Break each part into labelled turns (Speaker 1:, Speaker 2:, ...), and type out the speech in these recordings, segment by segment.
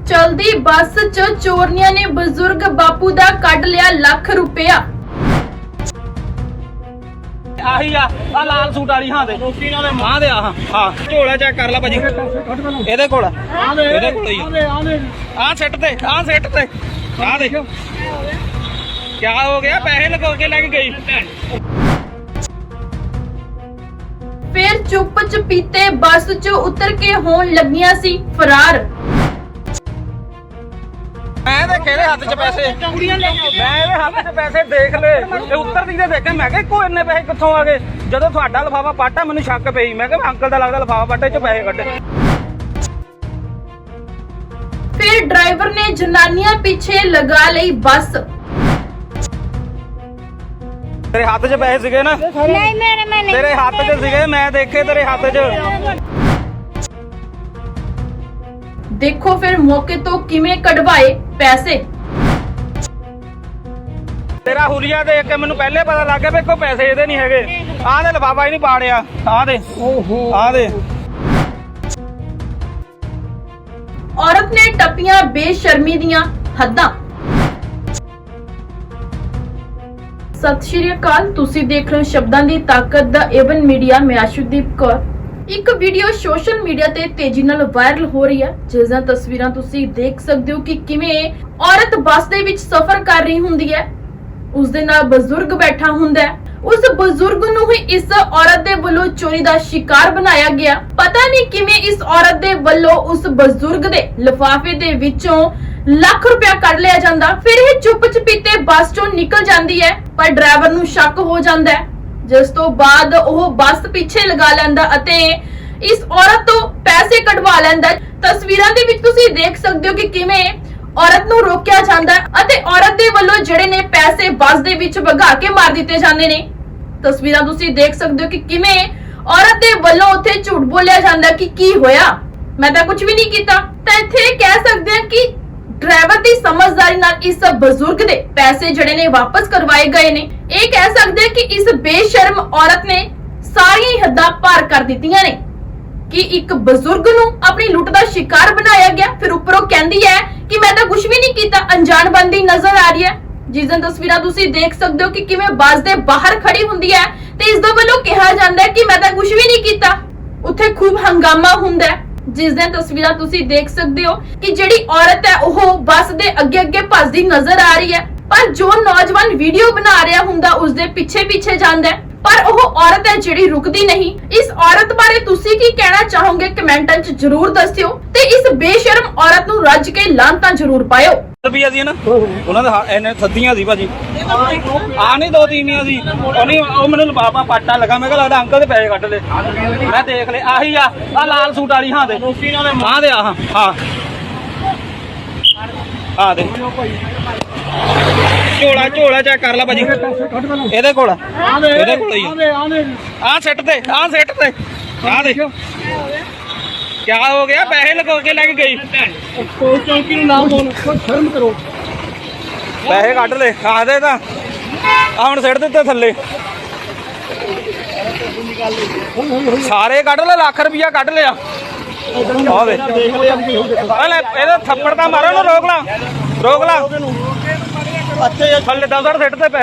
Speaker 1: चलदी बस च चोरनियां ने बुजुर्ग बापू दा कट लिया लाख रुपया।
Speaker 2: ਆਹੀ ਆ ਲਾਲ ਸੂਟ ਵਾਲੀ ਹਾਂ ਦੇ ਹਾਂ ਦੇ ਹਾਂ ਝੋਲਾ ਚੈੱਕ ਕਰ ਲੈ ਭਾਜੀ ਇਹਦੇ ਕੋਲ ਇਹਦੇ ਕੋਲ ਹੀ ਆ ਸਿੱਟ ਤੇ ਆ ਦੇਖ ਕੀ ਹੋ ਗਿਆ ਪੈਸੇ ਲਗਾ ਕੇ ਲੈ ਕੇ ਗਈ
Speaker 1: फिर चुप चपीते बस च उतर के होन लगियां सी फरार।
Speaker 2: मैं देखे ਇਹਦੇ ਹੱਥ 'ਚ ਪੈਸੇ ਮੈਂ ਇਹਦੇ ਹੱਥ 'ਚ ਪੈਸੇ ਦੇਖ ਲਏ ਇਹ ਉੱਤਰਦੀ ਤੇ ਦੇਖੇ ਮੈਂ ਕਿਹਾ ਕੋਈ ਇੰਨੇ ਪੈਸੇ ਕਿੱਥੋਂ ਆ ਗਏ ਜਦੋਂ ਤੁਹਾਡਾ ਲਿਫਾਫਾ ਪਾਟਾ ਮੈਨੂੰ ਸ਼ੱਕ ਪਈ ਮੈਂ ਕਿਹਾ ਅੰਕਲ ਦਾ ਲੱਗਦਾ ਲਿਫਾਫਾ ਪਾਟੇ 'ਚ ਪੈਸੇ ਕੱਢੇ।
Speaker 1: फिर ड्राइवर ने जनानियां पीछे लगा ली बस।
Speaker 2: तेरे हाथ 'ਚ ਪੈਸੇ ਸੀਗੇ ਨਾ
Speaker 3: नहीं मेरे में नहीं
Speaker 2: ਤੇਰੇ ਹੱਥ 'ਚ ਸੀਗੇ ਮੈਂ ਦੇਖੇ ਤੇਰੇ ਹੱਥ 'ਚ।
Speaker 1: देखो फिर मौके तो किवें कढवाए पैसे।
Speaker 2: ਤੇਰਾ ਹੁਲੀਆ ਦੇਖ ਕੇ ਮੈਨੂੰ ਪਹਿਲੇ ਪਤਾ ਲੱਗ ਗਿਆ ਵੀ ਕੋਈ ਪੈਸੇ ਇਹਦੇ ਨਹੀਂ ਹੈਗੇ ਆਹ ਦੇ ਲਿਫਾਫਾ ਹੀ ਨਹੀਂ ਪਾੜਿਆ ਆਹ ਦੇ ਆਹ ਦੇ।
Speaker 1: औरत ने टपियां बेशर्मी दियां हद्दां। सत श्री अकाल, तुसी देख रहे हो शब्दां दी ताकत दा एवन मीडिया। मैं आशुदीप कौर। ਇੱਕ ਵੀਡੀਓ ਸੋਸ਼ਲ ਮੀਡੀਆ ਤੇ ਤੇਜ਼ੀ ਨਾਲ ਵਾਇਰਲ ਹੋ ਰਹੀ ਹੈ ਜਿਸ ਦੀਆਂ ਤਸਵੀਰਾਂ ਤੁਸੀਂ ਦੇਖ ਸਕਦੇ ਹੋ ਕਿ ਕਿਵੇਂ ਔਰਤ ਬੱਸ ਦੇ ਵਿੱਚ ਸਫ਼ਰ ਕਰ ਰਹੀ ਹੁੰਦੀ ਹੈ, ਉਸ ਦੇ ਨਾਲ ਬਜ਼ੁਰਗ ਬੈਠਾ ਹੁੰਦਾ ਹੈ। ਉਸ ਬਜ਼ੁਰਗ ਨੂੰ ਹੀ ਇਸ ਔਰਤ ਦੇ ਵੱਲੋਂ ਚੋਰੀ ਦਾ ਸ਼ਿਕਾਰ ਬਣਾਇਆ ਗਿਆ। ਪਤਾ ਨਹੀਂ ਕਿਵੇਂ ਇਸ ਔਰਤ ਦੇ ਵੱਲੋਂ ਉਸ ਬਜ਼ੁਰਗ ਦੇ ਲਿਫਾਫੇ ਦੇ ਵਿੱਚੋਂ ਲੱਖ ਰੁਪਇਆ ਕੱਢ ਲਿਆ ਜਾਂਦਾ। ਫਿਰ ਇਹ ਚੁੱਪ ਚਪੀਤੇ ਬੱਸ ਚੋਂ ਨਿਕਲ ਜਾਂਦੀ ਹੈ, ਪਰ ਡਰਾਈਵਰ ਨੂੰ ਸ਼ੱਕ ਹੋ ਜਾਂਦਾ ਹੈ, ਜਿਸ ਤੋਂ ਬਾਅਦ ਉਹ ਬੱਸ ਪਿੱਛੇ ਲਗਾ ਲੈਂਦਾ ਅਤੇ ਇਸ ਔਰਤ ਤੋਂ ਪੈਸੇ ਕਢਵਾ ਲੈਂਦਾ। ਤਸਵੀਰਾਂ ਦੇ ਵਿੱਚ ਤੁਸੀਂ ਦੇਖ ਸਕਦੇ ਹੋ ਕਿ ਕਿਵੇਂ ਔਰਤ ਨੂੰ ਰੋਕਿਆ ਜਾਂਦਾ ਅਤੇ ਔਰਤ ਦੇ ਵੱਲੋਂ ਜਿਹੜੇ ਨੇ ਪੈਸੇ ਬੱਸ ਦੇ ਵਿੱਚ ਵਗਾ ਕੇ ਮਾਰ ਦਿੱਤੇ ਜਾਂਦੇ ਨੇ। ਤਸਵੀਰਾਂ ਤੁਸੀਂ ਦੇਖ ਸਕਦੇ ਹੋ ਕਿ ਕਿਵੇਂ ਔਰਤ ਦੇ ਵੱਲੋਂ ਉੱਥੇ ਝੂਠ ਬੋਲਿਆ ਜਾਂਦਾ ਕਿ ਕੀ ਹੋਇਆ, ਮੈਂ ਤਾਂ ਕੁਝ ਵੀ ਨਹੀਂ ਕੀਤਾ। ਤਾਂ ਇੱਥੇ ਕਹਿ ਸਕਦੇ ਹਾਂ ਕਿ ਡਰਾਈਵਰ ਦੀ ਸਮਝਦਾਰੀ ਨਾਲ ਇਸ ਬਜ਼ੁਰਗ ਦੇ ਪੈਸੇ ਜਿਹੜੇ ਨੇ ਵਾਪਸ ਕਰਵਾਏ ਗਏ ਨੇ। ਇਹ ਕਹਿ ਸਕਦੇ ਕਿ ਇਸ ਬੇਸ਼ਰਮ ਔਰਤ ਨੇ ਸਾਰੀਆਂ ਹੀ ਹੱਦਾਂ ਪਾਰ ਕਰ ਦਿੱਤੀਆਂ ਨੇ ਕਿ ਇੱਕ ਬਜ਼ੁਰਗ ਨੂੰ ਆਪਣੀ ਲੁੱਟ ਦਾ ਸ਼ਿਕਾਰ ਬਣਾਇਆ ਗਿਆ। ਫਿਰ ਉੱਪਰੋਂ ਕਹਿੰਦੀ ਹੈ ਕਿ ਮੈਂ ਤਾਂ ਕੁਝ ਵੀ ਨਹੀਂ ਕੀਤਾ, ਅਣਜਾਣ ਬੰਦੀ ਨਜ਼ਰ ਆ ਰਹੀ ਹੈ। ਜਿਸ ਦੀਆਂ ਤਸਵੀਰਾਂ ਤੁਸੀਂ ਦੇਖ ਸਕਦੇ ਹੋ ਕਿ ਕਿਵੇਂ ਬੱਸ ਦੇ ਬਾਹਰ ਖੜੀ ਹੁੰਦੀ ਹੈ ਤੇ ਇਸ ਦੇ ਵੱਲੋਂ ਕਿਹਾ ਜਾਂਦਾ ਹੈ ਕਿ ਮੈਂ ਤਾਂ ਕੁਝ ਵੀ ਨਹੀਂ ਕੀਤਾ। ਉੱਥੇ ਖੂਬ ਹੰਗਾਮਾ ਹੁੰਦਾ ਹੈ। ਜਿਸ ਦੀਆਂ ਤਸਵੀਰਾਂ ਤੁਸੀਂ ਦੇਖ ਸਕਦੇ ਹੋ ਕਿ ਜਿਹੜੀ ਔਰਤ ਹੈ ਉਹ ਬੱਸ ਦੇ ਅੱਗੇ ਭੱਜਦੀ ਨਜ਼ਰ ਆ ਰਹੀ ਹੈ, ਪਰ ਜੋ ਨੌਜਵਾਨ ਵੀਡੀਓ ਬਣਾ ਰਿਹਾ ਹੁੰਦਾ ਉਸ ਦੇ ਪਿੱਛੇ ਜਾਂਦਾ ਹੈ, ਪਰ ਉਹ ਔਰਤ ਹੈ ਜਿਹੜੀ ਰੁਕਦੀ ਨਹੀਂ। ਇਸ ਔਰਤ ਬਾਰੇ ਤੁਸੀਂ ਕੀ ਕਹਿਣਾ ਚਾਹੋਗੇ ਕਮੈਂਟਾਂ 'ਚ ਜਰੂਰ ਦੱਸਿਓ ਤੇ ਇਸ ਬੇਸ਼ਰਮ ਔਰਤ ਨੂੰ ਰੱਜ ਕੇ ਲਾਂਤਾਂ ਜਰੂਰ ਪਾਇਓ।
Speaker 2: ਰੁਪਈਆ ਸੀ ਨਾ ਉਹਨਾਂ ਦੇ ਇਹਨੇ ਸੱਦੀਆਂ ਸੀ ਭਾਜੀ ਆ ਨਹੀਂ ਦੋ ਤੀਨੀਆਂ ਸੀ ਉਹ ਮੈਨੂੰ ਲਿਫਾਫਾ ਪਾਟਾ ਲੱਗਾ ਮੈਂ ਕਿਹਾ ਲੱਗਦਾ ਅੰਕਲ ਦੇ ਪੈਸੇ ਕੱਢ ਲੈ ਮੈਂ ਦੇਖ ਲਏ ਆਹੀ ਆ ਲਾਲ ਸੂਟ ਵਾਲੀ ਹਾਂ ਦੇ ਹਾਂ ਦੇ ਹਾਂ ਦੇ ਝੋਲਾ ਚੈੱਕ ਕਰ ਲੈ ਭਾਜੀ ਇਹਦੇ ਕੋਲ ਹੀ ਆ ਸਿੱਟ ਤੇ ਆ ਦੇਖ ਕੀ ਹੋ ਗਿਆ ਪੈਸੇ ਲਗਾ ਕੇ ਲੈ ਕੇ ਗਈ ਚੌਂਕੀ ਨੂੰ ਨਾਮ ਬੋਲ ਸ਼ਰਮ ਕਰੋ ਪੈਸੇ ਕੱਢ ਲੈ ਆਦੇ ਤਾਂ ਆ ਹੁਣ ਸਿੱਟ ਦਿੱਤੇ ਥੱਲੇ ਸਾਰੇ ਕੱਢ ਲੈ ਲੱਖ ਰੁਪਇਆ ਕੱਢ ਲਿਆ ਆ ਦੇ ਇਹਦਾ ਥੱਪੜ ਤਾਂ ਮਾਰੋ ਨੂੰ ਰੋਕ ਲਾ ਅੱਛਾ ਥੱਲੇ 10 ਸਿੱਟ ਤੇ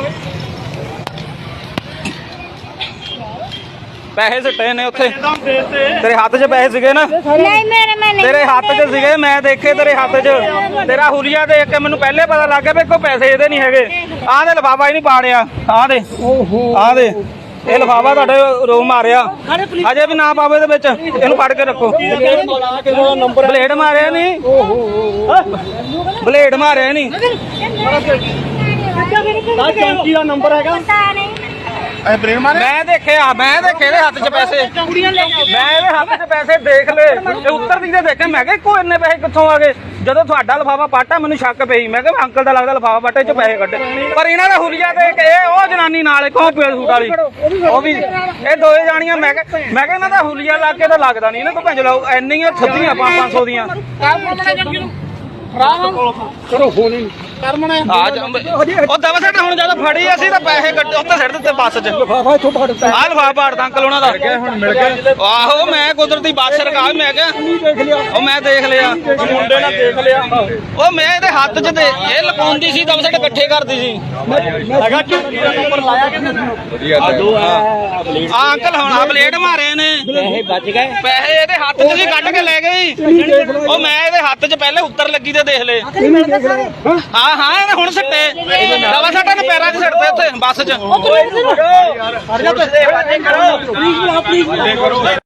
Speaker 2: ਪੈਸੇ ਸਿੱਟੇ ਨੇ ਉੱਥੇ ਤੇਰੇ ਹੱਥ 'ਚ ਪੈਸੇ ਸੀਗੇ ਨਾ
Speaker 3: नहीं मेरे में नहीं
Speaker 2: ਤੇਰੇ ਹੱਥ 'ਚ ਸੀਗੇ ਮੈਂ ਦੇਖੇ ਤੇਰੇ ਹੱਥ 'ਚ ਤੇਰਾ ਹੁਲੀਆ ਦੇਖ ਕੇ ਮੈਨੂੰ ਪਹਿਲੇ ਪਤਾ ਲੱਗ ਗਿਆ ਵੀ ਕੋਈ ਪੈਸੇ ਇਹਦੇ ਨਹੀਂ ਹੈਗੇ ਆਹ ਦੇ ਲਿਫਾਫਾ ਹੀ ਨਹੀਂ ਪਾੜਿਆ ਆਹ ਦੇ ਇਹ ਲਿਫਾਫਾ ਤੁਹਾਡੇ ਰੋ ਮਾਰਿਆ ਅਜੇ ਵੀ ਨਾ ਪਾਵੇ ਦੇ ਵਿੱਚ ਇਹਨੂੰ ਫੜ ਕੇ ਰੱਖੋ ਬਲੇਡ ਮਾਰਿਆ ਨਹੀਂ
Speaker 3: चौंकी का नंबर है
Speaker 2: ਮੈਂ ਦੇਖੇ ਇਹਦੇ ਹੱਥ 'ਚ ਪੈਸੇ ਮੈਂ ਇਹਦੇ ਹੱਥ 'ਚ ਪੈਸੇ ਦੇਖ ਲਏ ਤੇ ਉੱਤਰਦੀ ਤੇ ਦੇਖੇ ਮੈਂ ਕਿਹਾ ਕੋਈ ਇੰਨੇ ਪੈਸੇ ਕਿੱਥੋਂ ਆ ਗਏ ਜਦੋਂ ਤੁਹਾਡਾ ਲਿਫਾਫਾ ਪਾਟਾ ਮੈਨੂੰ ਸ਼ੱਕ ਪਈ ਮੈਂ ਕਿਹਾ ਅੰਕਲ ਦਾ ਲੱਗਦਾ ਲਿਫਾਫਾ ਪਾਟੇ 'ਚ ਪੈਸੇ ਕੱਢੇ ਪਰ ਇਹਨਾਂ ਦਾ ਹੁਲੀਆ ਦੇਖ ਕੇ ਉਹ ਜਨਾਨੀ ਨਾਲ ਕੌਣ ਸੂਟ ਵਾਲੀ ਉਹ ਵੀ ਇਹ ਦੋਏ ਜਾਣੀਆਂ ਮੈਂ ਕਿਹਾ ਇਹਨਾਂ ਦਾ ਹੁਲੀਆ ਲੱਗ ਕੇ ਤਾਂ ਲੱਗਦਾ ਨਹੀਂ ਇਹਨਾਂ ਕੋਲ ਭੰਜ ਲਾਓ ਇੰਨੀਆਂ ਥੱਦੀਆਂ 500 ਦੀਆਂ
Speaker 3: ਕਰੋ ਫੋਨ ਹੀ ਕਰਮਣਾ
Speaker 2: ਆ ਜਾ ਉਹ ਦਵਾ ਸੱਟ ਹੁਣ ਜਦੋਂ ਫੜੀ ਅਸੀਂ ਤਾਂ ਪੈਸੇ ਕੱਢੇ ਉੱਤੇ ਸਿੱਟ ਦਿੱਤੇ ਬੱਸ 'ਚ
Speaker 3: ਲਫਾਫਾ ਇੱਥੋਂ ਫੜ ਦਿੱਤਾ
Speaker 2: ਆਹ ਲਫਾਫਾ ਪਾੜਦਾ ਅੰਕਲ ਉਹਨਾਂ ਦਾ
Speaker 3: ਹੁਣ ਮਿਲ ਗਿਆ
Speaker 2: ਆਹੋ ਮੈਂ ਕੁਦਰਤੀ ਬੱਸ ਰਕਾ ਮੈਂ ਕਿਹਾ
Speaker 3: ਦੇਖ ਲਿਆ
Speaker 2: ਉਹ ਮੈਂ ਦੇਖ ਲਿਆ
Speaker 3: ਮੁੰਡੇ ਨਾਲ ਦੇਖ ਲਿਆ
Speaker 2: ਉਹ ਮੈਂ ਇਹਦੇ ਹੱਥ 'ਚ ਦੇ ਇਹ ਲਪਾਉਂਦੀ ਸੀ ਦਵਾ ਸੱਟ ਇਕੱਠੇ ਕਰਦੀ ਸੀ
Speaker 3: ਹੈਗਾ ਚੌਂਕੀ ਦਾ ਨੰਬਰ ਲਾਇਆ ਕਿ ਆ ਦੋ
Speaker 2: ਆ ਅੰਕਲ ਹੁਣ ਆ ਬਲੇਡ ਮਾਰੇ ਨੇ
Speaker 3: ਪੈਸੇ ਬਚ ਗਏ
Speaker 2: ਪੈਸੇ ਇਹਦੇ ਹੱਥ 'ਚ ਸੀ ਕੱਢ ਕੇ ਲੈ ਗਏ ਉਹ ਮੈਂ ਇਹਦੇ ਹੱਥ 'ਚ ਪਹਿਲੇ ਉੱਤਰ ਲੱਗੀ ਤੇ ਦੇਖ ਲਏ ਹਾਂ ਹਾਂ ਇਹਨੇ ਹੁਣ ਸਿੱਟੇ ਦਵਾ ਸੱਟਾਂ ਨੇ ਪੈਰਾਂ 'ਚ ਸਿੱਟਦੇ ਉੱਥੇ ਬੱਸ 'ਚ
Speaker 3: ਯਾਰ